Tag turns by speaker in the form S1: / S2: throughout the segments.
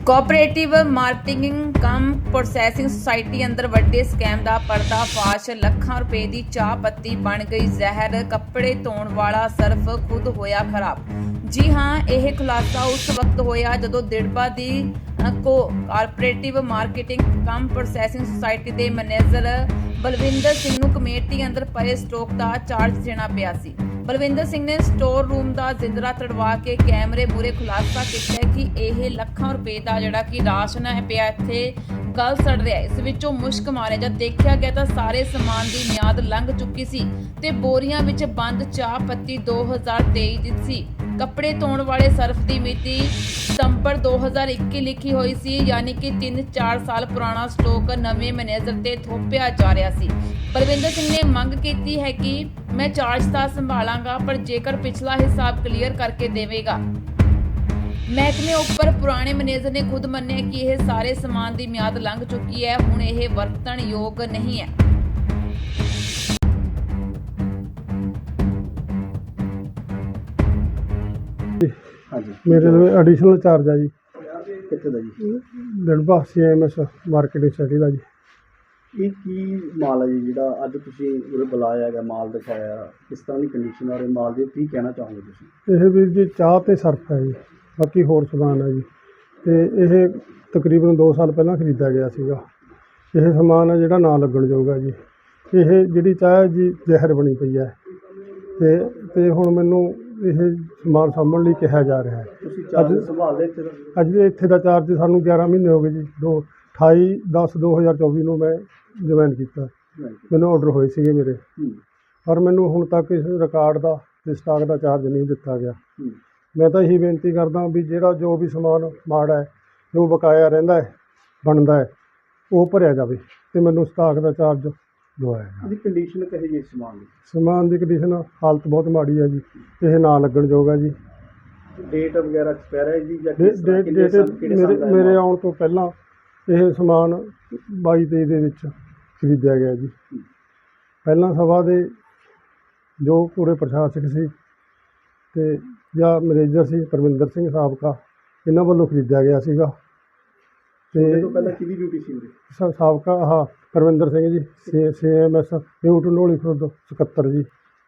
S1: Cooperative marketing cum processing society ਅੰਦਰ ਵੱਡੇ scam ਦਾ ਪਰਦਾਫਾਸ਼। ਲੱਖਾਂ ਰੁਪਏ ਦੀ ਚਾਹ ਪੱਤੀ ਬਣ ਗਈ ਜ਼ਹਿਰ। ਕੱਪੜੇ ਧੋਣ ਵਾਲਾ ਸਰਫ ਖੁਦ ਹੋਇਆ ਖਰਾਬ। ਜੀ ਹਾਂ, ਇਹ ਖੁਲਾਸਾ ਉਸ ਵਕਤ ਹੋਇਆ ਜਦੋਂ ਦਿੜਬਾ ਦੀ cooperative marketing cum processing society ਦੇ ਮੈਨੇਜਰ ਬਲਵਿੰਦਰ ਸਿੰਘ ਨੂੰ ਕਮੇਟੀ ਅੰਦਰ ਪਏ ਸਟਾਕ ਦਾ ਚਾਰਜ ਦੇਣਾ ਪਿਆ ਸੀ। ਬਲਵਿੰਦਰ ਸਿੰਘ ਨੇ ਸਟੋਰ ਰੂਮ ਦਾ ਜ਼ਿੰਦਰਾ ਤੜਵਾ ਕੇ ਕੈਮਰੇ ਮੂਹਰੇ ਖੁਲਾਸਾ ਕੀਤਾ ਕਿ ਇਹ ਲੱਖਾਂ ਰੁਪਏ ਦਾ ਜਿਹੜਾ ਕਿ ਰਾਸ਼ਨ ਹੈ ਪਿਆ ਇੱਥੇ ਗਲ ਸੜ ਰਿਹਾ। ਇਸ ਵਿੱਚੋਂ ਮੁਸ਼ਕ ਮਾਰਿਆ ਜਦ ਦੇਖਿਆ ਗਿਆ ਤਾਂ ਸਾਰੇ ਸਮਾਨ ਦੀ ਮਿਆਦ ਲੰਘ ਚੁੱਕੀ ਸੀ ਤੇ ਬੋਰੀਆਂ ਵਿੱਚ ਬੰਦ ਚਾਹ ਪੱਤੀ 2023 ਦੀ ਸੀ। ਕੱਪੜੇ ਧੋਣ ਵਾਲੇ ਸਰਫ ਦੀ ਮਿਤੀ ਸਤੰਬਰ 2021 ਲਿਖੀ ਹੋਈ ਸੀ, ਯਾਨੀ ਕਿ 3-4 ਸਾਲ ਪੁਰਾਣਾ ਸਟਾਕ ਨਵੇਂ ਮੈਨੇਜਰ ਤੇ ਥੋਪਿਆ ਜਾ ਰਿਹਾ ਸੀ। ਬਲਵਿੰਦਰ ਸਿੰਘ ਨੇ ਮੰਗ ਕੀਤੀ ਹੈ ਕਿ ਮੈਂ ਚਾਰਜ ਤਾਂ ਸੰਭਾਲਾਂਗਾ, ਪਰ ਜੇਕਰ ਪਿਛਲਾ ਹਿਸਾਬ ਕਲੀਅਰ ਕਰਕੇ ਦੇਵੇਗਾ। ਮਹਿਕਮੇ ਉੱਪਰ ਪੁਰਾਣੇ ਮੈਨੇਜਰ ਨੇ ਖੁਦ ਮੰਨਿਆ ਕਿ ਇਹ ਸਾਰੇ ਸਮਾਨ ਦੀ ਮਿਆਦ ਲੰਘ ਚੁੱਕੀ ਹੈ, ਹੁਣ ਇਹ ਵਰਤਣ ਯੋਗ ਨਹੀਂ ਹੈ।
S2: मेरे लिए एडिशनल चार्ज है जी।
S3: ਕਿੱਥੇ ਦਾ ਜੀ?
S2: दिड़बा CMS मार्केटिंग स्टडी का जी।
S3: ਇਹ ਕੀ ਮਾਲ ਹੈ ਜੀ ਜਿਹੜਾ ਅੱਜ ਤੁਸੀਂ ਉਰੇ ਬੁਲਾਇਆ ਹੈਗਾ, ਮਾਲ ਦਿਖਾਇਆ, ਕਿਸ ਤਰ੍ਹਾਂ ਦੀ ਕੰਡੀਸ਼ਨ ਹੈ ਮਾਲ ਦੀ, ਕੀ ਕਹਿਣਾ ਚਾਹੋਗੇ ਤੁਸੀਂ?
S2: ਇਹ ਵੀਰ ਜੀ ਚਾਹ ਤੇ ਸਰਫ ਹੈ ਜੀ, ਬਾਕੀ ਹੋਰ ਸਮਾਨ ਹੈ ਜੀ। ਤੇ ਇਹ ਤਕਰੀਬਨ 2 ਸਾਲ ਪਹਿਲਾਂ ਖਰੀਦਿਆ ਗਿਆ ਸੀਗਾ। ਇਹ ਸਮਾਨ ਹੈ ਜਿਹੜਾ ਨਾ ਲੱਗਣ ਯੋਗ ਜੀ। ਇਹ ਜਿਹੜੀ ਚਾਹ ਹੈ ਜੀ ਜ਼ਹਿਰ ਬਣੀ ਪਈ ਹੈ ਤੇ ਹੁਣ ਮੈਨੂੰ ਇਹ ਸਮਾਨ ਸਾਂਭਣ ਲਈ ਕਿਹਾ ਜਾ ਰਿਹਾ ਹੈ।
S3: ਤੁਸੀਂ ਚਾਰਜ ਸੰਭਾਲ ਲਿਆ ਇੱਥੇ ਦਾ?
S2: ਅੱਜ ਇੱਥੇ ਦਾ ਚਾਰਜ ਸਾਨੂੰ 11 ਮਹੀਨੇ ਹੋ ਗਏ ਜੀ। 28/10/2024 ਨੂੰ ਮੈਂ ਜੁਆਇਨ ਕੀਤਾ। ਮੈਨੂੰ ਆਰਡਰ ਹੋਏ ਸੀਗੇ ਮੇਰੇ, ਪਰ ਮੈਨੂੰ ਹੁਣ ਤੱਕ ਇਸ ਰਿਕਾਰਡ ਦਾ ਤੇ ਸਟਾਕ ਦਾ ਚਾਰਜ ਨਹੀਂ ਦਿੱਤਾ ਗਿਆ। ਮੈਂ ਤਾਂ ਇਹੀ ਬੇਨਤੀ ਕਰਦਾ ਵੀ ਜਿਹੜਾ ਜੋ ਵੀ ਸਮਾਨ ਮਾੜਾ ਹੈ, ਜੋ ਬਕਾਇਆ ਰਹਿੰਦਾ ਹੈ, ਬਣਦਾ ਹੈ, ਉਹ ਭਰਿਆ ਜਾਵੇ ਤੇ ਮੈਨੂੰ ਸਟਾਕ ਦਾ ਚਾਰਜ ਦਵਾਇਆ ਜਾਵੇ।
S3: ਇਹਦੀ ਕੰਡੀਸ਼ਨ ਕਹੇ ਜੀ ਸਮਾਨ ਦੀ?
S2: ਸਮਾਨ ਦੀ ਕੰਡੀਸ਼ਨ ਹਾਲਤ ਬਹੁਤ ਮਾੜੀ ਹੈ ਜੀ। ਇਹ ਨਾ ਲੱਗਣ ਯੋਗ ਹੈ ਜੀ।
S3: ਡੇਟ ਵਗੈਰਾ ਐਕਸਪਾਇਰ ਹੈ ਜੀ ਜਾਂ
S2: ਡੇਟ ਮੇਰੇ ਆਉਣ ਤੋਂ ਪਹਿਲਾਂ ਇਹ ਸਮਾਨ 22-23 ਦੇ ਵਿੱਚ ਖਰੀਦਿਆ ਗਿਆ ਜੀ। ਪਹਿਲਾਂ ਸਭਾ ਦੇ ਜੋ ਪੂਰੇ ਪ੍ਰਸ਼ਾਸਕ ਸੀ ਤੇ ਜਾਂ ਮੈਨੇਜਰ ਸੀ ਪਰਮਿੰਦਰ ਸਿੰਘ ਸਾਬਕਾ, ਇਹਨਾਂ ਵੱਲੋਂ ਖਰੀਦਿਆ ਗਿਆ ਸੀਗਾ। ਤੇ
S3: ਤੋਂ ਪਹਿਲਾਂ ਕਿਹਦੀ ਡਿਊਟੀ ਸੀ ਉਰੇ?
S2: ਸਾਬਕਾ ਪਰਮਿੰਦਰ ਸਿੰਘ ਜੀ, CMS ਨਿਊ ਢਨੋਲੀ ਖੁਰਦ ਸਕੱਤਰ ਜੀ।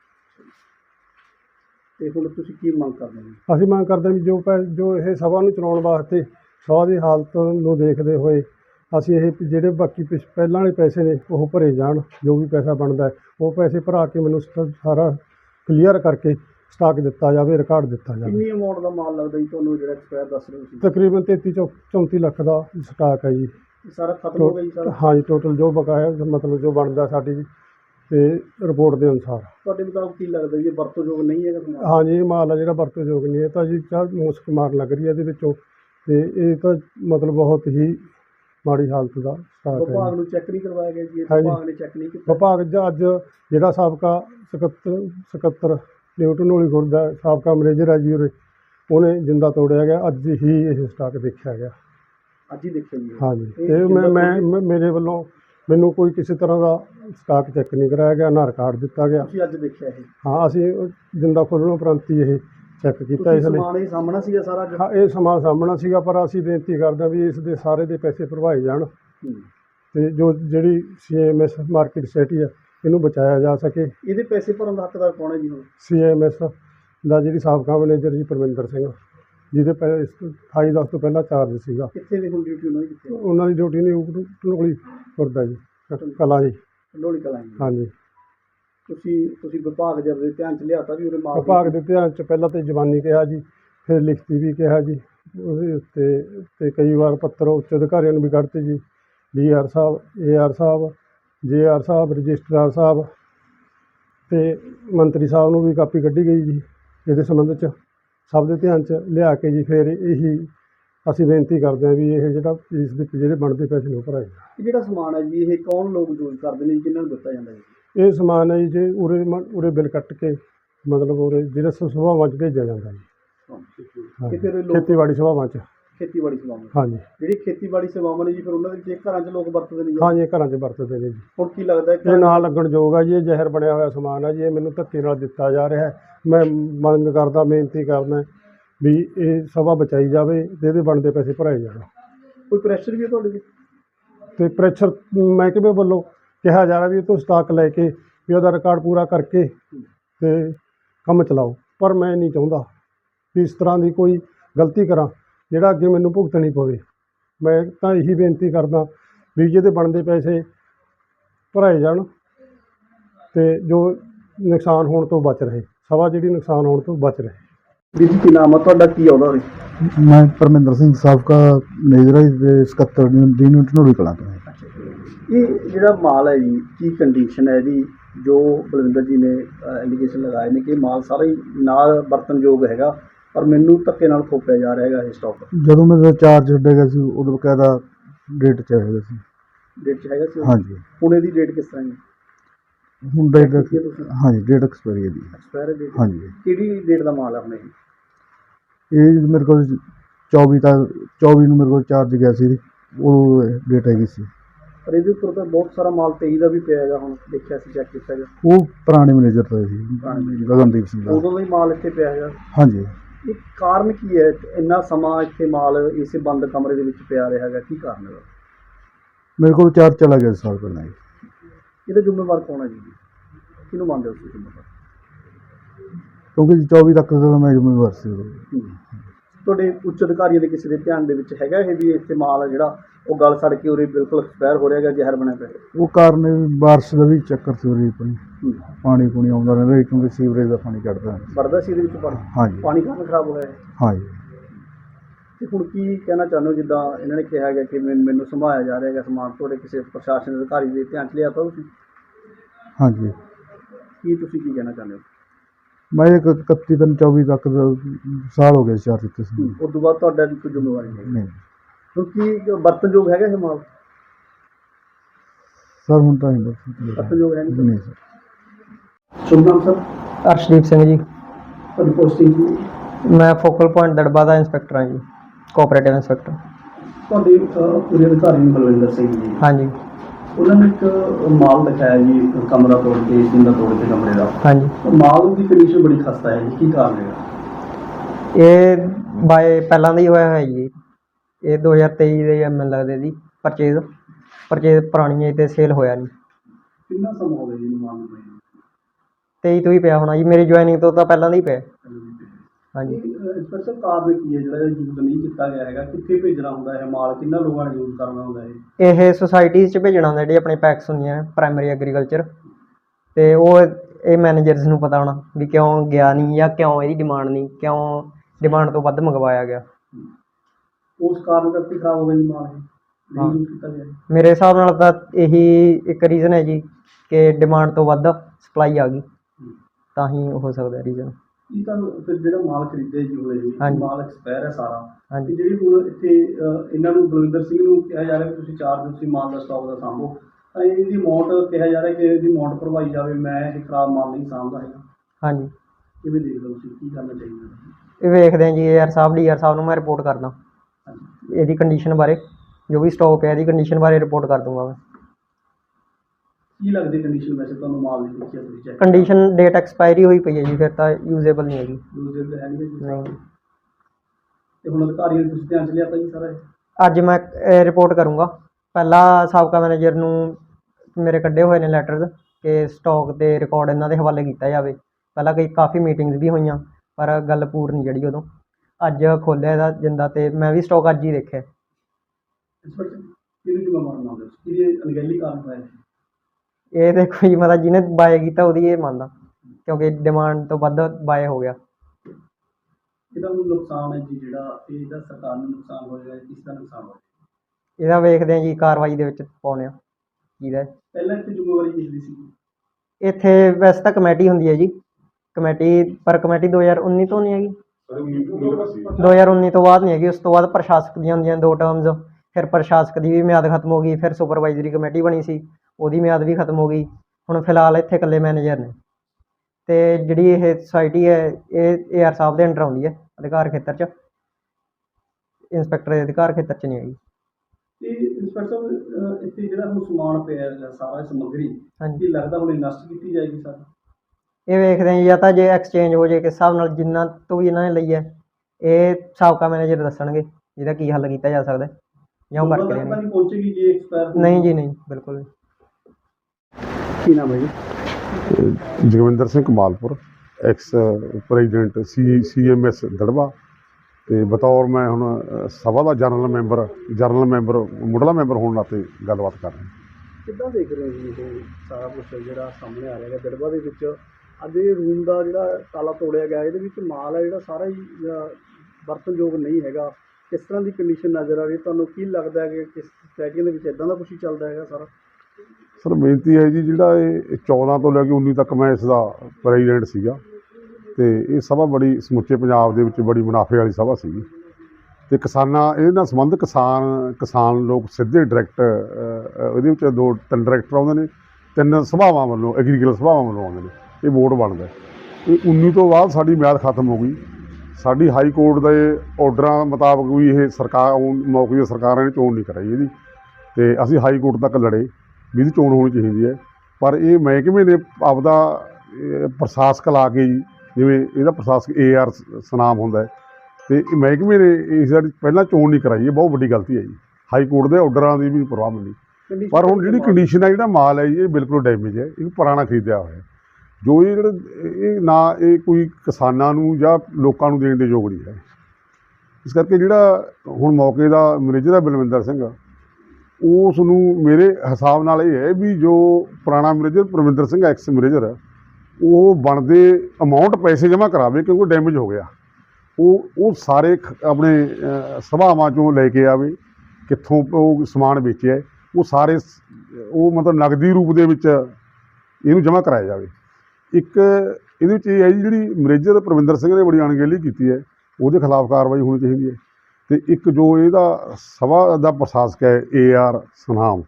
S3: ਤੇ ਹੁਣ ਤੁਸੀਂ ਕੀ ਮੰਗ ਕਰਦੇ ਹੋ?
S2: ਅਸੀਂ ਮੰਗ ਕਰਦੇ ਹਾਂ ਵੀ ਜੋ ਇਹ ਸਭਾ ਨੂੰ ਚਲਾਉਣ ਵਾਸਤੇ ਸਭਾ ਦੀ ਹਾਲਤ ਨੂੰ ਦੇਖਦੇ ਹੋਏ ਅਸੀਂ ਇਹ ਜਿਹੜੇ ਬਾਕੀ ਪਹਿਲਾਂ ਵਾਲੇ ਪੈਸੇ ਨੇ ਉਹ ਭਰੇ ਜਾਣ। ਜੋ ਵੀ ਪੈਸਾ ਬਣਦਾ ਉਹ ਪੈਸੇ ਭਰਾ ਕੇ ਮੈਨੂੰ ਸਾਰਾ ਕਲੀਅਰ ਕਰਕੇ ਸਟਾਕ ਦਿੱਤਾ ਜਾਵੇ, ਰਿਕਾਰਡ ਦਿੱਤਾ ਜਾਵੇ।
S3: ਕਿੰਨੀ ਅਮਾਊਂਟ ਦਾ ਮਾਲ ਲੱਗਦਾ ਜੀ ਤੁਹਾਨੂੰ ਜਿਹੜਾ ਐਕਸਪਾਇਰ ਦੱਸ ਰਹੇ ਹੋ ਤੁਸੀਂ?
S2: ਤਕਰੀਬਨ 33-34 ਲੱਖ ਦਾ ਸਟਾਕ ਹੈ ਜੀ।
S3: ਸਾਰਾ ਖਤਮ ਹੋ ਗਿਆ ਜੀ ਸਾਰਾ?
S2: ਹਾਂ ਜੀ, ਟੋਟਲ ਜੋ ਬਕਾਇਆ ਮਤਲਬ ਜੋ ਬਣਦਾ ਸਾਡੀ ਤੇ ਰਿਪੋਰਟ ਦੇ ਅਨੁਸਾਰ।
S3: ਤੁਹਾਡੇ ਮੁਤਾਬਕ ਕੀ ਲੱਗਦਾ ਜੀ ਵਰਤੋਂਯੋਗ ਨਹੀਂ ਹੈਗਾ ਸਮਾਨ?
S2: ਹਾਂ ਜੀ, ਇਹ ਮਾਲ ਆ ਜਿਹੜਾ ਵਰਤੋਂਯੋਗ ਨਹੀਂ ਹੈ। ਤਾਂ ਜੀ ਚਾਹ ਮੁਸ਼ਕ ਮਾਰ ਲੱਗ ਰਹੀ ਹੈ ਇਹਦੇ ਵਿੱਚੋਂ, ਤੇ ਇਹ ਤਾਂ ਮਤਲਬ ਬਹੁਤ ਹੀ ਮਾੜੀ ਹਾਲਤ ਦਾ ਸਟਾਕ ਹੈ।
S3: ਵਿਭਾਗ ਨੂੰ ਚੈੱਕ ਨਹੀਂ ਕਰਵਾਇਆ ਗਿਆ ਜੀ? ਵਿਭਾਗ ਨੇ ਚੈੱਕ ਨਹੀਂ ਕੀਤਾ?
S2: ਵਿਭਾਗ ਅੱਜ ਜਿਹੜਾ ਸਾਬਕਾ ਸਕੱਤਰ ਨਿਊ ਢਨੋਲੀ ਖੁਰਦ ਦਾ ਸਾਬਕਾ ਮੈਨੇਜਰ ਹੈ ਜੀ ਉਰੇ, ਉਹਨੇ ਜਿੰਦਾ ਤੋੜਿਆ ਗਿਆ। ਅੱਜ ਹੀ ਇਹ ਸਟਾਕ ਦੇਖਿਆ ਗਿਆ।
S3: ਅੱਜ ਹੀ ਦੇਖਿਆ ਜੀ?
S2: ਹਾਂ ਜੀ। ਇਹ ਮੈਂ ਮੇਰੇ ਵੱਲੋਂ ਮੈਨੂੰ ਕੋਈ ਕਿਸੇ ਤਰ੍ਹਾਂ ਦਾ ਸਟਾਕ ਚੈੱਕ ਨਹੀਂ ਕਰਾਇਆ ਗਿਆ, ਨਾ ਰਿਕਾਰਡ ਦਿੱਤਾ ਗਿਆ।
S3: ਤੁਸੀਂ ਅੱਜ ਦੇਖਿਆ ਇਹ?
S2: ਹਾਂ, ਅਸੀਂ ਜਿੰਦਾ ਖੋਲ੍ਹਣ ਉਪਰੰਤ ਹੀ ਇਹ ਚੈੱਕ ਕੀਤਾ। ਇਸ ਲਈ
S3: ਸਮਾਨ ਇਹ ਸਾਹਮਣਾ ਸੀਗਾ ਸਾਰਾ?
S2: ਹਾਂ, ਇਹ ਸਮਾਨ ਸਾਹਮਣਾ ਸੀਗਾ, ਪਰ ਅਸੀਂ ਬੇਨਤੀ ਕਰਦੇ ਹਾਂ ਵੀ ਇਸ ਦੇ ਸਾਰੇ ਦੇ ਪੈਸੇ ਭਰਵਾਏ ਜਾਣ ਤੇ ਜਿਹੜੀ CMS ਮਾਰਕੀਟ ਸੋਸਾਇਟੀ ਹੈ ਇਹਨੂੰ ਬਚਾਇਆ ਜਾ ਸਕੇ।
S3: ਇਹਦੇ ਪੈਸੇ ਭਰਨ ਦਾ ਹੱਕਦਾਰ ਕੌਣ ਹੈ ਜੀ ਹੁਣ?
S2: CMS ਦਾ ਜਿਹੜੀ ਸਾਬਕਾ ਮੈਨੇਜਰ ਜੀ ਪਰਮਿੰਦਰ ਸਿੰਘ, ਜਿਹਦੇ 28/10 ਤੋਂ ਪਹਿਲਾਂ ਚਾਰਜ ਸੀਗਾ।
S3: ਕਿੱਥੇ ਦੀ ਹੁਣ ਡਿਊਟੀ ਉਹਨਾਂ ਦੀ? ਕਿੱਥੇ
S2: ਉਹਨਾਂ ਦੀ ਡਿਊਟੀ ਨਹੀਂ ਢਨੋਲੀ ਖੁਰਦ ਜੀ, ਕਲਾਂ ਜੀ।
S3: ਢਨੋਲੀ ਕਲਾਂ ਜੀ?
S2: ਹਾਂਜੀ।
S3: ਤੁਸੀਂ ਵਿਭਾਗ ਦੇ ਧਿਆਨ 'ਚ ਲਿਆਤਾ ਵੀ ਉਰੇ ਮਾਲ?
S2: ਵਿਭਾਗ ਦੇ ਧਿਆਨ 'ਚ ਪਹਿਲਾਂ ਤਾਂ ਜ਼ਬਾਨੀ ਕਿਹਾ ਜੀ, ਫਿਰ ਲਿਖਤੀ ਵੀ ਕਿਹਾ ਜੀ। ਉਹਦੇ ਉੱਤੇ ਤੇ ਕਈ ਵਾਰ ਪੱਤਰ ਉੱਚ ਅਧਿਕਾਰੀਆਂ ਨੂੰ ਵੀ ਕੱਢਤੇ ਜੀ। DR sahib, AR sahib, JR sahib, registrar sahib ਤੇ ਮੰਤਰੀ ਸਾਹਿਬ ਨੂੰ ਵੀ ਕਾਪੀ ਕੱਢੀ ਗਈ ਜੀ। ਇਹਦੇ ਸੰਬੰਧ 'ਚ ਸਭ ਦੇ ਧਿਆਨ 'ਚ ਲਿਆ ਕੇ ਜੀ ਫਿਰ ਇਹੀ ਅਸੀਂ ਬੇਨਤੀ ਕਰਦੇ ਹਾਂ ਵੀ ਇਹ ਇਸ ਦੇ ਜਿਹੜੇ ਬਣਦੇ ਪੈਸੇ ਨੂੰ ਭਰਾਏ।
S3: ਜਿਹੜਾ ਸਮਾਨ ਹੈ ਜੀ ਇਹ ਕੌਣ ਲੋਕ ਯੂਜ਼ ਕਰਦੇ ਨੇ ਜੀ, ਕਿਹਨਾਂ ਨੂੰ ਦਿੱਤਾ ਜਾਂਦਾ ਜੀ?
S2: ਇਹ ਸਮਾਨ ਹੈ ਜੀ ਜੇ ਉਰੇ ਬਿੱਲ ਕੱਟ ਕੇ ਮਤਲਬ ਉਰੇ ਜਿਹੜੇ ਸਭਾਵਾਂ 'ਚ ਭੇਜਿਆ ਜਾਂਦਾ ਜੀ। ਖੇਤੀਬਾੜੀ ਸਭਾਵਾਂ 'ਚ।
S3: ਖੇਤੀਬਾੜੀ ਸੇਵਾਵਾਂ?
S2: ਹਾਂਜੀ।
S3: ਜਿਹੜੀ ਖੇਤੀਬਾੜੀ ਸੇਵਾਵਾਂ ਨੇ ਜੀ ਫਿਰ ਉਹਨਾਂ ਦੇ ਵਿੱਚ ਘਰਾਂ 'ਚ ਲੋਕ ਵਰਤਦੇ ਨੇ ਜੀ?
S2: ਹਾਂਜੀ, ਘਰਾਂ 'ਚ ਵਰਤਦੇ ਨੇ ਜੀ।
S3: ਹੁਣ ਕੀ ਲੱਗਦਾ
S2: ਇਹ ਨਾ ਲੱਗਣ ਯੋਗ ਹੈ ਜੀ। ਇਹ ਜ਼ਹਿਰ ਬਣਿਆ ਹੋਇਆ ਸਮਾਨ ਹੈ ਜੀ। ਇਹ ਮੈਨੂੰ ਧੱਕੇ ਨਾਲ ਦਿੱਤਾ ਜਾ ਰਿਹਾ ਹੈ। ਮੈਂ ਮੰਗ ਕਰਦਾ, ਬੇਨਤੀ ਕਰਦਾ ਵੀ ਇਹ ਸਭਾ ਬਚਾਈ ਜਾਵੇ ਤੇ ਇਹਦੇ ਬਣਦੇ ਪੈਸੇ ਭਰਾਏ ਜਾਣ।
S3: ਕੋਈ ਪ੍ਰੈਸ਼ਰ ਵੀ ਹੈ ਤੁਹਾਡੇ 'ਤੇ?
S2: ਤੇ ਪ੍ਰੈਸ਼ਰ ਮਹਿਕਮੇ ਵੱਲੋਂ ਕਿਹਾ ਜਾ ਰਿਹਾ ਵੀ ਇਹ ਤੋਂ ਸਟਾਕ ਲੈ ਕੇ ਵੀ ਉਹਦਾ ਰਿਕਾਰਡ ਪੂਰਾ ਕਰਕੇ ਤੇ ਕੰਮ ਚਲਾਓ, ਪਰ ਮੈਂ ਨਹੀਂ ਚਾਹੁੰਦਾ ਵੀ ਇਸ ਤਰ੍ਹਾਂ ਦੀ ਕੋਈ ਗਲਤੀ ਕਰਾਂ ਜਿਹੜਾ ਅੱਗੇ ਮੈਨੂੰ ਭੁਗਤਣੀ ਪਵੇ। ਮੈਂ ਤਾਂ ਇਹੀ ਬੇਨਤੀ ਕਰਦਾ ਵੀ ਜਿਹਦੇ ਬਣਦੇ ਪੈਸੇ ਭਰਾਏ ਜਾਣ ਤੇ ਜੋ ਨੁਕਸਾਨ ਹੋਣ ਤੋਂ ਬਚ ਰਹੇ, ਸਭਾ ਜਿਹੜੀ ਨੁਕਸਾਨ ਹੋਣ ਤੋਂ ਬਚ ਰਹੇ।
S3: ਵੀਰ ਜੀ ਕੀ ਨਾਮ ਆ ਤੁਹਾਡਾ, ਕੀ ਆਉਂਦਾ ਉਰੇ?
S4: ਮੈਂ ਪਰਮਿੰਦਰ ਸਿੰਘ ਸਾਬਕਾ ਮੈਨੇਜਰ ਦੇ ਸਕੱਤਰ ਦੀ ਯੂਨਿਟ ਨੂੰ ਕਲਾਂ ਤੋਂ।
S3: ਇਹ ਜਿਹੜਾ ਮਾਲ ਹੈ ਜੀ, ਕੀ ਕੰਡੀਸ਼ਨ ਹੈ ਇਹਦੀ ਜੋ ਬਲਵਿੰਦਰ ਜੀ ਨੇ ਐਲੀਗੇਸ਼ਨ ਲਗਾਏ ਨੇ ਕਿ ਇਹ ਮਾਲ ਸਾਰਾ ਹੀ ਨਾਲ ਵਰਤਨਯੋਗ ਹੈਗਾ ਪਰ ਮੈਨੂੰ ਧੱਕੇ ਨਾਲ ਥੋਪਿਆ ਜਾ ਰਿਹਾ ਹੈਗਾ ਇਹ ਸਟਾਕ?
S4: ਜਦੋਂ ਮੇਰਾ ਚਾਰਜ ਛੱਡਿਆ ਗਿਆ ਸੀ ਉਦੋਂ ਬਕਾਇਦਾ ਡੇਟ 'ਚ ਹੈਗਾ ਸੀ।
S3: ਡੇਟ 'ਚ ਹੈਗਾ ਸੀ?
S4: ਹਾਂਜੀ।
S3: ਹੁਣ ਇਹਦੀ ਡੇਟ ਕਿਸ ਤਰ੍ਹਾਂ ਹੈ?
S4: ਹੁਣ ਡੇਟ ਹਾਂਜੀ ਡੇਟ ਐਕਸਪਾਇਰੀ ਦੀ।
S3: Expire date? ਹਾਂਜੀ। ਕਿਹੜੀ ਡੇਟ ਦਾ ਮਾਲ ਹੈ ਹੁਣ
S4: ਇਹ ਮੇਰੇ ਕੋਲ 24 ਨੂੰ ਮੇਰੇ ਕੋਲ ਚਾਰਜ ਗਿਆ ਸੀ, ਉਹ ਡੇਟ ਹੈਗੀ ਸੀ।
S3: ਪਰ ਇਹਦੇ ਉੱਪਰ ਤਾਂ ਬਹੁਤ ਸਾਰਾ ਮਾਲ 23 ਦਾ ਵੀ ਪਿਆ ਹੈਗਾ, ਹੁਣ ਦੇਖਿਆ ਸੀ, ਚੈੱਕ ਕੀਤਾ ਹੈਗਾ।
S4: ਉਹ ਪੁਰਾਣੇ ਮੈਨੇਜਰ ਦਾ ਸੀ, ਗਗਨਦੀਪ ਸਿੰਘ ਦਾ।
S3: ਉਦੋਂ ਦਾ ਹੀ ਮਾਲ ਇੱਥੇ ਪਿਆ ਹੈਗਾ?
S4: ਹਾਂਜੀ।
S3: ਇਹ ਕਾਰਨ ਕੀ ਹੈ ਇੰਨਾ ਸਮਾਂ ਇੱਥੇ ਮਾਲ ਇਸੇ ਬੰਦ ਕਮਰੇ ਦੇ ਵਿੱਚ ਪਿਆ ਰਿਹਾ ਹੈਗਾ, ਕੀ ਕਾਰਨ ਹੈ?
S4: ਮੇਰੇ ਕੋਲ ਚਾਰਜ ਚਲਾ ਗਿਆ ਸਾਲ ਪਹਿਲਾਂ ਜੀ।
S3: ਇਹਦਾ ਜ਼ਿੰਮੇਵਾਰ ਕੌਣ ਹੈ ਜੀ? ਕਿਹਨੂੰ ਮੰਨਦੇ ਹੋ ਤੁਸੀਂ ਜ਼ਿੰਮੇਵਾਰ?
S4: ਕਿਉਂਕਿ 24 ਤੱਕ ਦਾ ਮੈਂ ਜ਼ਿੰਮੇਵਾਰ ਸੀ।
S3: ਤੁਹਾਡੇ ਉੱਚ ਅਧਿਕਾਰੀਆਂ ਦੇ ਕਿਸੇ ਦੇ ਧਿਆਨ ਦੇ ਵਿੱਚ ਹੈਗਾ ਇਹ ਵੀ ਇੱਥੇ ਮਾਲ ਹੈ ਜਿਹੜਾ ਉਹ ਗਲ ਸੜ ਕੇ ਉਰੇ ਬਿਲਕੁਲ ਐਕਸਪਾਇਰ ਹੋ ਰਿਹਾ ਹੈਗਾ, ਜ਼ਹਿਰ ਬਣਿਆ ਪਿਆ?
S4: ਉਹ ਕਾਰਨ ਬਾਰਿਸ਼ ਦਾ ਵੀ ਚੱਕਰ ਸੀ ਉਰੇ, ਪਾਣੀ ਪੂਣੀ ਆਉਂਦਾ ਰਹਿੰਦਾ ਕਿਉਂਕਿ ਸੀਵਰੇਜ ਦਾ ਪਾਣੀ ਚੜ੍ਹਦਾ
S3: ਵੜਦਾ ਸੀ ਇਹਦੇ ਵਿੱਚ ਪਾਣੀ?
S4: ਹਾਂਜੀ।
S3: ਪਾਣੀ ਕਾਰਨ ਖਰਾਬ ਹੋਇਆ ਹੈ?
S4: ਹਾਂਜੀ।
S3: ਤੇ ਹੁਣ ਕੀ ਕਹਿਣਾ ਚਾਹੁੰਦੇ ਹੋ, ਜਿੱਦਾਂ ਇਹਨਾਂ ਨੇ ਕਿਹਾ ਗਿਆ ਕਿ ਮੈਨੂੰ ਸੰਭਾਲਿਆ ਜਾ ਰਿਹਾ ਹੈਗਾ ਸਮਾਨ, ਤੁਹਾਡੇ ਕਿਸੇ ਪ੍ਰਸ਼ਾਸਨ ਅਧਿਕਾਰੀ ਦੇ ਧਿਆਨ 'ਚ ਲਿਆ ਤਾਂ ਤੁਸੀਂ?
S4: ਹਾਂਜੀ।
S3: ਤੁਸੀਂ ਕੀ ਕਹਿਣਾ ਚਾਹੁੰਦੇ ਹੋ?
S4: ਮੈਂ 31/3/24 ਤੱਕ ਦਾ ਸਾਲ ਹੋ ਗਿਆ ਚਾਰਜ ਦਿੱਤੇ ਸੀ।
S3: ਉਸ ਤੋਂ ਬਾਅਦ ਤੁਹਾਡਾ ਕੋਈ ਜ਼ਿੰਮੇਵਾਰੀ ਨਹੀਂ?
S4: ਨਹੀਂ
S3: ਹੁਣ ਕੀ ਵਰਤਨਯੋਗ ਹੈਗਾ ਇਹ ਮਾਲ?
S4: ਸਰ ਹੁਣ ਤਾਂ
S3: ਵਰਤਨਯੋਗ ਹੈ
S4: ਨਹੀਂ ਸਰ।
S3: ਸ਼ੁਭ ਨਾਮ ਸਰ?
S5: ਅਰਸ਼ਦੀਪ ਸਿੰਘ ਜੀ।
S3: ਤੁਹਾਡੀ ਪੋਸਟਿੰਗ ਕੀ?
S5: ਮੈਂ ਫੋਕਲ ਪੁਆਇੰਟ ਦੜਬਾ ਦਾ ਇੰਸਪੈਕਟਰ ਹਾਂ ਜੀ, ਕੋਆਪਰੇਟਿਵ ਇੰਸਪੈਕਟਰ।
S3: ਤੁਹਾਡੇ ਪੂਰੇ ਅਧਿਕਾਰੀ ਨੇ ਬਲਵਿੰਦਰ ਸਿੰਘ ਜੀ,
S5: ਹਾਂਜੀ।
S3: ਉਹਨਾਂ ਨੇ ਇੱਕ ਮਾਲ ਦਿਖਾਇਆ ਜੀ, ਕਮਰਾ ਤੋੜ ਕੇ, ਜਿੰਦਾ ਤੋੜ ਕੇ ਕਮਰੇ ਦਾ।
S5: ਹਾਂਜੀ।
S3: ਮਾਲ ਦੀ ਕੰਡੀਸ਼ਨ ਬੜੀ ਖਸਤਾ ਹੈ ਜੀ, ਕੀ ਕਾਰਨ ਹੈਗਾ?
S5: ਇਹ ਬਾਏ ਪਹਿਲਾਂ ਦਾ ਹੀ ਹੋਇਆ ਹੋਇਆ ਜੀ, ਇਹ 2023 ਦੇ ਮੈਨੂੰ ਲੱਗਦਾ ਜੀ ਪਰਚੇਜ਼ ਪੁਰਾਣੀ ਹੈ ਤੇ ਸੇਲ ਹੋਇਆ ਨਹੀਂ।
S3: ਕਿੰਨਾ ਸਮਾਂ ਹੋ ਗਿਆ ਜੀ ਮਾਲ ਨੂੰ?
S5: 23 ਤੋਂ ਹੀ ਪਿਆ ਹੋਣਾ ਜੀ, ਮੇਰੀ ਜੁਆਇਨਿੰਗ ਤੋਂ ਤਾਂ ਪਹਿਲਾਂ ਦਾ ਹੀ ਪਿਆ। ਹਾਂਜੀ।
S3: ਸਪੈਸ਼ਲ ਕਾਰਨ ਕੀ ਹੈ ਜਿਹੜਾ ਯੂਜ਼ ਨਹੀਂ ਕੀਤਾ ਗਿਆ ਹੈਗਾ? ਕਿੱਥੇ ਭੇਜਣਾ ਹੁੰਦਾ ਇਹ ਮਾਲ? ਕਿੰਨਾ ਲੋਕਾਂ ਨੇ ਯੂਜ਼ ਕਰਨਾ ਹੁੰਦਾ
S5: ਇਹ ਸੁਸਾਇਟੀਜ਼ 'ਚ ਭੇਜਣਾ ਹੁੰਦਾ, ਜਿਹੜੀ ਆਪਣੇ ਪੈਕਸ ਹੁੰਦੀਆਂ ਪ੍ਰਾਇਮਰੀ ਐਗਰੀਕਲਚਰ, ਤੇ ਉਹ ਇਹ ਮੈਨੇਜਰਸ ਨੂੰ ਪਤਾ ਹੋਣਾ ਵੀ ਕਿਉਂ ਗਿਆ ਨਹੀਂ ਜਾਂ ਕਿਉਂ ਇਹਦੀ ਡਿਮਾਂਡ ਨਹੀਂ, ਕਿਉਂ ਡਿਮਾਂਡ ਤੋਂ ਵੱਧ ਮੰਗਵਾਇਆ ਗਿਆ।
S3: ਉਸ ਕਾਰਨ ਕਰਕੇ ਖਰਾਬ ਹੋ ਗਿਆ ਜੀ ਮਾਲ, ਨਹੀਂ ਯੂਜ਼ ਕੀਤਾ ਗਿਆ?
S5: ਮੇਰੇ ਹਿਸਾਬ ਨਾਲ ਤਾਂ ਇਹੀ ਇੱਕ ਰੀਜ਼ਨ ਹੈ ਜੀ ਕਿ ਡਿਮਾਂਡ ਤੋਂ ਵੱਧ ਸਪਲਾਈ ਆ ਗਈ, ਤਾਂ ਹੀ ਹੋ ਸਕਦਾ ਰੀਜ਼ਨ।
S3: ਇਹ ਤਾਂ ਫਿਰ ਜਿਹੜਾ ਮਾਲ ਖਰੀਦਿਆ ਜੀ ਹੋਏ ਜੀ, ਮਾਲ ਐਕਸਪਾਇਰ ਹੈ ਸਾਰਾ।
S5: ਹਾਂਜੀ।
S3: ਜਿਹੜੀ ਹੁਣ ਇੱਥੇ ਇਹਨਾਂ ਨੂੰ ਬਲਵਿੰਦਰ ਸਿੰਘ ਨੂੰ ਕਿਹਾ ਜਾ ਰਿਹਾ ਕਿ ਤੁਸੀਂ ਚਾਰਜ ਤੁਸੀਂ ਮਾਲ ਦਾ ਸਟਾਕ ਦਾ ਸਾਂਭੋ, ਤਾਂ ਇਹਦੀ ਅਮਾਊਂਟ ਕਿਹਾ ਜਾ ਰਿਹਾ ਕਿ ਇਹਦੀ ਅਮਾਊਂਟ ਭਰਵਾਈ ਜਾਵੇ, ਮੈਂ ਇਹ ਖਰਾਬ ਮਾਲ ਨਹੀਂ ਸਾਂਭਦਾ ਹੈਗਾ।
S5: ਹਾਂਜੀ।
S3: ਕਿਵੇਂ ਦੇਖ ਲਓ ਤੁਸੀਂ, ਕੀ ਕਰਨਾ ਚਾਹੀਦਾ?
S5: ਇਹ ਵੇਖਦੇ ਹਾਂ ਜੀ, ਏਆਰ ਸਾਹਿਬ ਡੀਆਰ ਸਾਹਿਬ ਨੂੰ ਮੈਂ ਰਿਪੋਰਟ ਕਰਦਾ ਇਹਦੀ ਕੰਡੀਸ਼ਨ ਬਾਰੇ, ਜੋ ਵੀ ਸਟਾਕ ਹੈ ਇਹਦੀ ਕੰਡੀਸ਼ਨ ਬਾਰੇ ਰਿਪੋਰਟ ਕਰ ਦੂੰਗਾ ਮੈਂ।
S3: ਕੀ ਲੱਗਦੀ ਕੰਡੀਸ਼ਨ ਵੈਸੇ ਤੁਹਾਨੂੰ ਮਾਲ ਦੀ ਦੇਖਿਆ ਤੁਸੀਂ ਚੈੱਕ?
S5: ਕੰਡੀਸ਼ਨ ਡੇਟ ਐਕਸਪਾਇਰੀ ਹੋਈ ਪਈ ਹੈ ਜੀ, ਫਿਰ ਤਾਂ ਯੂਜ਼ੇਬਲ ਨਹੀਂ ਹੈਗੀ।
S3: ਯੂਜ਼ੇਬਲ ਹੈ ਨਹੀਂ?
S5: ਨਹੀਂ।
S3: ਤੇ ਹੁਣ ਅਧਿਕਾਰੀਆਂ ਨੇ ਤੁਸੀਂ ਧਿਆਨ 'ਚ ਲਿਆ ਤਾਂ ਜੀ ਸਾਰਾ ਇਹ?
S5: ਅੱਜ ਮੈਂ ਰਿਪੋਰਟ ਕਰੂੰਗਾ। ਪਹਿਲਾਂ ਸਾਬਕਾ ਮੈਨੇਜਰ ਨੂੰ ਮੇਰੇ ਕੱਢੇ ਹੋਏ ਨੇ ਲੈਟਰਸ ਕਿ ਸਟਾਕ ਤੇ ਰਿਕਾਰਡ ਇਹਨਾਂ ਦੇ ਹਵਾਲੇ ਕੀਤਾ ਜਾਵੇ। ਪਹਿਲਾਂ ਕਾਫੀ ਮੀਟਿੰਗਸ ਵੀ ਹੋਈਆਂ ਪਰ ਗੱਲ ਪੂਰ ਨਹੀਂ ਚੜ੍ਹੀ ਉਦੋਂ। ਅੱਜ ਖੋਲ੍ਹਿਆ ਇਹਦਾ ਜਿੰਦਾ, ਤੇ ਮੈਂ ਵੀ ਸਟਾਕ ਅੱਜ ਹੀ ਦੇਖਿਆ।
S3: ਕਿਹਨੂੰ ਜ਼ਿੰਮੇਵਾਰ ਮੰਨਦੇ ਹੋ? ਕਿਹਦੀ ਅਣਗਹਿਲੀ ਕਾਰਨ ਹੋਇਆ?
S5: ਇਹ ਦੇਖੋ ਜੀ, ਮਤਲਬ ਜਿਹਨੇ ਬਾਏ ਕੀਤਾ ਉਹਦੀ ਇਹ ਮੰਨਦਾ, ਕਿਉਂਕਿ ਡਿਮਾਂਡ ਤੋਂ ਵੱਧ ਬਾਏ ਹੋ ਗਿਆ।
S3: ਇਹਦਾ ਹੁਣ ਨੁਕਸਾਨ ਹੈ ਜੀ ਜਿਹੜਾ, ਇਹਦਾ ਸਰਕਾਰ ਨੂੰ ਨੁਕਸਾਨ ਹੋਏਗਾ, ਕਿਸ ਦਾ ਨੁਕਸਾਨ ਹੋਏਗਾ?
S5: ਇਹਦਾ ਵੇਖਦੇ ਹਾਂ ਜੀ, ਕਾਰਵਾਈ ਦੇ ਵਿੱਚ ਪਾਉਂਦੇ ਹਾਂ ਕਿਹਦਾ।
S3: ਪਹਿਲਾਂ ਇੱਥੇ ਜ਼ਿੰਮੇਵਾਰੀ ਕਿਸ ਦੀ ਸੀ?
S5: ਇੱਥੇ ਵੈਸੇ ਤਾਂ ਕਮੇਟੀ ਹੁੰਦੀ ਹੈ ਜੀ, ਪਰ ਕਮੇਟੀ 2019 ਤੋਂ ਨਹੀਂ ਹੈਗੀ, 2019 ਤੋਂ ਬਾਅਦ ਨਹੀਂ ਹੈਗੀ। ਉਸ ਤੋਂ ਬਾਅਦ ਪ੍ਰਸ਼ਾਸਕ ਦੀਆਂ ਹੁੰਦੀਆਂ 2 ਟਰਮਸ, ਫਿਰ ਪ੍ਰਸ਼ਾਸਕ ਦੀ ਵੀ ਮਿਆਦ ਖਤਮ ਹੋ ਗਈ, ਫਿਰ ਸੁਪਰਵਾਈਜ਼ਰੀ ਕਮੇਟੀ ਬਣੀ ਸੀ, ਉਹਦੀ ਮਿਆਦ ਵੀ ਖਤਮ ਹੋ ਗਈ। ਹੁਣ ਫਿਲਹਾਲ ਇੱਥੇ ਇਕੱਲੇ ਮੈਨੇਜਰ ਨੇ, ਅਤੇ ਜਿਹੜੀ ਇਹ ਸੁਸਾਇਟੀ ਹੈ ਇਹ ਏਆਰ ਸਾਹਿਬ ਦੇ ਅੰਡਰ ਆਉਂਦੀ ਹੈ, ਅਧਿਕਾਰ ਖੇਤਰ 'ਚ, ਇੰਸਪੈਕਟਰ ਦੇ ਅਧਿਕਾਰ ਖੇਤਰ 'ਚ ਨਹੀਂ ਹੈਗੀ।
S3: ਤੇ ਇੰਸਪੈਕਟਰ ਸਾਹਿਬ, ਇੱਥੇ ਜਿਹੜਾ ਹੁਣ ਸਮਾਨ ਪਿਆ ਸਾਰਾ ਸਮੱਗਰੀ, ਕੀ ਲੱਗਦਾ ਹੁਣ ਨਸ਼ਟ ਕੀਤੀ ਜਾਏਗੀ ਸਰ?
S5: ਇਹ ਵੇਖਦੇ ਹਾਂ ਜੀ, ਜਾਂ ਤਾਂ ਜੇ ਐਕਸਚੇਂਜ ਹੋ ਜਾਏ ਕਿਸ ਹਿਸਾਬ ਨਾਲ, ਜਿੰਨਾ ਤੋਂ ਵੀ ਇਹਨਾਂ ਨੇ ਲਈ ਹੈ ਇਹ ਸਾਬਕਾ ਮੈਨੇਜਰ ਦੱਸਣਗੇ ਜਿਹਦਾ ਕੀ ਹੱਲ ਕੀਤਾ ਜਾ ਸਕਦਾ। ਜਾਂ ਉਹ ਕਰਕੇ
S3: ਤੱਕ ਤਾਂ
S5: ਦੇਣਗੇ।
S3: ਨਹੀਂ ਪਹੁੰਚੇਗੀ ਜੇ ਐਕਸਪਾਇਰ
S5: ਨਹੀਂ ਜੀ, ਨਹੀਂ, ਬਿਲਕੁਲ।
S3: ਕੀ ਨਾਮ ਹੈ ਜੀ?
S6: Jagwinder Singh Kamalpur, ex president CMS Dirba, ਤੇ ਬਤੌਰ ਮੈਂ ਹੁਣ ਸਭਾ ਦਾ ਜਨਰਲ ਮੈਂਬਰ ਮੁੱਢਲਾ ਮੈਂਬਰ ਹੋਣ ਨਾਤੇ ਗੱਲਬਾਤ ਕਰ ਰਿਹਾ।
S3: ਕਿੱਦਾਂ ਦੇਖ ਰਹੇ ਹੋ ਜੀ ਇਹ ਸਾਰਾ ਕੁਛ ਜਿਹੜਾ ਸਾਹਮਣੇ ਆ ਰਿਹਾ ਹੈ ਦੜਬਾ ਦੇ ਵਿੱਚ? ਅੱਜ ਇਹ ਰੂਮ ਦਾ ਜਿਹੜਾ ਤਾਲਾ ਤੋੜਿਆ ਗਿਆ, ਇਹਦੇ ਵਿੱਚ ਮਾਲ ਹੈ ਜਿਹੜਾ ਸਾਰਾ ਹੀ ਵਰਤਨਯੋਗ ਨਹੀਂ ਹੈਗਾ। ਕਿਸ ਤਰ੍ਹਾਂ ਦੀ ਕੰਡੀਸ਼ਨ ਨਜ਼ਰ ਆ ਰਹੀ ਤੁਹਾਨੂੰ? ਕੀ ਲੱਗਦਾ ਹੈ ਕਿ ਕਿਸ ਸੋਸਾਇਟੀਆਂ ਦੇ ਵਿੱਚ ਇਦਾਂ ਦਾ ਕੁਛ ਹੀ ਚੱਲਦਾ ਹੈਗਾ ਸਾਰਾ?
S6: ਸਰ ਬੇਨਤੀ ਹੈ ਜੀ, ਜਿਹੜਾ ਇਹ 14 ਤੋਂ ਲੈ ਕੇ 19 ਤੱਕ ਮੈਂ ਇਸ ਦਾ ਪ੍ਰੈਜ਼ੀਡੈਂਟ ਸੀਗਾ, ਤੇ ਇਹ ਸਭਾ ਬੜੀ ਸਮੁੱਚੇ ਪੰਜਾਬ ਦੇ ਵਿੱਚ ਬੜੀ ਮੁਨਾਫੇ ਵਾਲੀ ਸਭਾ ਸੀਗੀ, ਤੇ ਇਹਦੇ ਨਾਲ ਸੰਬੰਧ ਕਿਸਾਨ ਲੋਕ ਸਿੱਧੇ ਡਾਇਰੈਕਟ ਇਹਦੇ ਵਿੱਚ 2-3 ਡਾਇਰੈਕਟਰ ਆਉਂਦੇ ਨੇ, 3 ਸਭਾਵਾਂ ਵੱਲੋਂ ਐਗਰੀਕਲਚਰ ਸਭਾਵਾਂ ਵੱਲੋਂ ਆਉਂਦੇ ਨੇ। ਇਹ ਬੋਰਡ ਬਣਦਾ। ਇਹ 19 ਤੋਂ ਬਾਅਦ ਸਾਡੀ ਮਿਆਦ ਖਤਮ ਹੋ ਗਈ। ਸਾਡੀ ਹਾਈ ਕੋਰਟ ਦੇ ਆਰਡਰਾਂ ਮੁਤਾਬਕ ਵੀ ਇਹ ਮੌਕੇ ਦੀਆਂ ਸਰਕਾਰਾਂ ਨੇ ਚੋਣ ਨਹੀਂ ਕਰਾਈ ਇਹਦੀ, ਤੇ ਅਸੀਂ ਹਾਈ ਕੋਰਟ ਤੱਕ ਲੜੇ ਵੀ ਇਹਦੀ ਚੋਣ ਹੋਣੀ ਚਾਹੀਦੀ ਹੈ। ਪਰ ਇਹ ਮਹਿਕਮੇ ਨੇ ਆਪਦਾ ਪ੍ਰਸ਼ਾਸਕ ਲਾ ਕੇ ਜੀ, ਜਿਵੇਂ ਇਹਦਾ ਪ੍ਰਸ਼ਾਸਕ AR ਸਨਾਮ ਹੁੰਦਾ ਹੈ, ਤੇ ਇਹ ਮਹਿਕਮੇ ਨੇ ਇਸ ਦੀ ਪਹਿਲਾਂ ਚੋਣ ਨਹੀਂ ਕਰਾਈ। ਇਹ ਬਹੁਤ ਵੱਡੀ ਗਲਤੀ ਹੈ ਜੀ। ਹਾਈ ਕੋਰਟ ਦੇ ਆਰਡਰਾਂ ਦੀ ਵੀ ਪਰਵਾਹ ਨਹੀਂ। ਪਰ ਹੁਣ ਜਿਹੜੀ ਕੰਡੀਸ਼ਨ ਹੈ, ਜਿਹੜਾ ਮਾਲ ਹੈ ਜੀ, ਇਹ ਬਿਲਕੁਲ ਡੈਮੇਜ ਹੈ। ਇਹ ਪੁਰਾਣਾ ਖਰੀਦਿਆ ਹੋਇਆ, ਜੋ ਇਹ ਨਾ ਇਹ ਕੋਈ ਕਿਸਾਨਾਂ ਨੂੰ ਜਾਂ ਲੋਕਾਂ ਨੂੰ ਦੇਣ ਦੇ ਯੋਗ ਨਹੀਂ ਹੈ। ਇਸ ਕਰਕੇ ਜਿਹੜਾ ਹੁਣ ਮੌਕੇ ਦਾ ਮੈਨੇਜਰ ਹੈ ਬਲਵਿੰਦਰ ਸਿੰਘ, ਉਸ ਨੂੰ ਮੇਰੇ ਹਿਸਾਬ ਨਾਲ ਇਹ ਹੈ ਵੀ ਜੋ ਪੁਰਾਣਾ manager Parminder Singh ex manager, ਉਹ ਬਣਦੇ ਅਮਾਊਂਟ ਪੈਸੇ ਜਮ੍ਹਾਂ ਕਰਾਵੇ, ਕਿਉਂਕਿ ਡੈਮੇਜ ਹੋ ਗਿਆ। ਉਹ ਸਾਰੇ ਆਪਣੇ ਸਭਾਵਾਂ 'ਚੋਂ ਲੈ ਕੇ ਆਵੇ, ਕਿੱਥੋਂ ਉਹ ਸਮਾਨ ਵੇਚਿਆ, ਉਹ ਸਾਰੇ ਮਤਲਬ ਨਗਦੀ ਰੂਪ ਦੇ ਵਿੱਚ ਇਹਨੂੰ ਜਮ੍ਹਾਂ ਕਰਾਇਆ ਜਾਵੇ। ਇੱਕ ਇਹਦੇ ਵਿੱਚ ਇਹ ਹੈ ਜੀ, ਜਿਹੜੀ ਮੈਨੇਜਰ ਪਰਮਿੰਦਰ ਸਿੰਘ ਨੇ ਬੜੀ ਅਣਗਹਿਲੀ ਕੀਤੀ ਹੈ, ਉਹਦੇ ਖਿਲਾਫ ਕਾਰਵਾਈ ਹੋਣੀ ਚਾਹੀਦੀ ਹੈ। ਤੇ ਇੱਕ ਜੋ ਇਹਦਾ ਸਭਾ ਦਾ ਪ੍ਰਸ਼ਾਸਕ ਹੈ AR ਸਨਾਮ,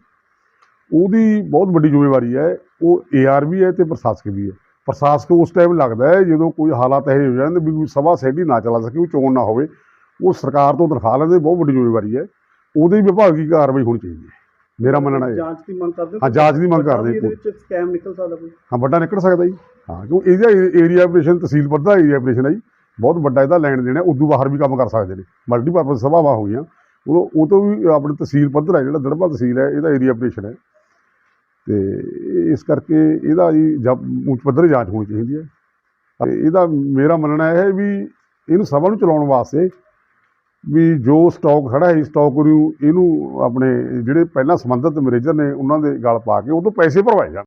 S6: ਉਹਦੀ ਬਹੁਤ ਵੱਡੀ ਜ਼ਿੰਮੇਵਾਰੀ ਹੈ। ਉਹ AR ਵੀ ਹੈ ਤੇ ਪ੍ਰਸ਼ਾਸਕ ਵੀ ਹੈ। ਪ੍ਰਸ਼ਾਸਕ ਉਸ ਟਾਈਮ ਲੱਗਦਾ ਹੈ ਜਦੋਂ ਕੋਈ ਹਾਲਾਤ ਇਹੋ ਹੋ ਜਾਂਦੇ ਵੀ ਕੋਈ ਸਭਾ ਸਹਿਡੀ ਨਾ ਚਲਾ ਸਕੇ, ਉਹ ਚੋਣ ਨਾ ਹੋਵੇ, ਉਹ ਸਰਕਾਰ ਤੋਂ ਤਨਖਾਹ ਲੈਂਦੇ। ਬਹੁਤ ਵੱਡੀ ਜ਼ਿੰਮੇਵਾਰੀ ਹੈ, ਉਹਦੀ ਵਿਭਾਗੀ ਕਾਰਵਾਈ ਹੋਣੀ ਚਾਹੀਦੀ ਹੈ, ਮੇਰਾ ਮੰਨਣਾ ਹੈ।
S3: ਜਾਂਚ ਦੀ ਮੰਗ ਕਰਦੇ ਹੋ?
S6: ਹਾਂ, ਜਾਂਚ ਦੀ ਮੰਗ ਕਰਦੇ।
S3: ਇਹਦੇ ਵਿੱਚ ਸਕੈਮ ਨਿਕਲ ਸਕਦਾ ਕੋਈ?
S6: ਹਾਂ, ਵੱਡਾ ਨਿਕਲ ਸਕਦਾ ਜੀ। ਹਾਂ, ਕਿਉਂਕਿ ਇਹਦਾ ਏਰੀਆ ਆਪਰੇਸ਼ਨ ਤਹਿਸੀਲ ਪੱਧਰ ਦਾ ਏਰੀਆ ਆਪਰੇਸ਼ਨ ਹੈ ਜੀ, ਬਹੁਤ ਵੱਡਾ ਇਹਦਾ ਲੈਣ ਦੇਣਾ। ਉਦੋਂ ਬਾਹਰ ਵੀ ਕੰਮ ਕਰ ਸਕਦੇ ਨੇ, ਮਲਟੀਪਰਪਜ਼ ਸਭਾਵਾਂ ਹੋ ਗਈਆਂ। ਉਹ ਤੋਂ ਵੀ ਆਪਣੇ ਤਹਿਸੀਲ ਪੱਧਰ ਹੈ, ਜਿਹੜਾ ਦੜਬਾ ਤਹਿਸੀਲ ਹੈ, ਇਹਦਾ ਏਰੀਆ ਆਪਰੇਸ਼ਨ ਹੈ। ਤੇ ਇਸ ਕਰਕੇ ਇਹਦਾ ਜੀ ਉੱਚ ਪੱਧਰ ਜਾਂਚ ਹੋਣੀ ਚਾਹੀਦੀ ਹੈ। ਤੇ ਇਹਦਾ ਮੇਰਾ ਮੰਨਣਾ ਇਹ ਹੈ ਵੀ ਇਹਨੂੰ ਸਭਾ ਨੂੰ ਚਲਾਉਣ ਵਾਸਤੇ ਵੀ ਜੋ ਸਟਾਕ ਖੜਾ ਹੈ, ਸਟਾਕ ਨੂੰ ਇਹਨੂੰ ਆਪਣੇ ਜਿਹੜੇ ਪਹਿਲਾਂ ਸੰਬੰਧਿਤ ਮੈਨੇਜਰ ਨੇ ਉਹਨਾਂ ਦੇ ਗਲ ਪਾ ਕੇ ਉਹ ਤੋਂ ਪੈਸੇ ਭਰਵਾਏ ਜਾਣ।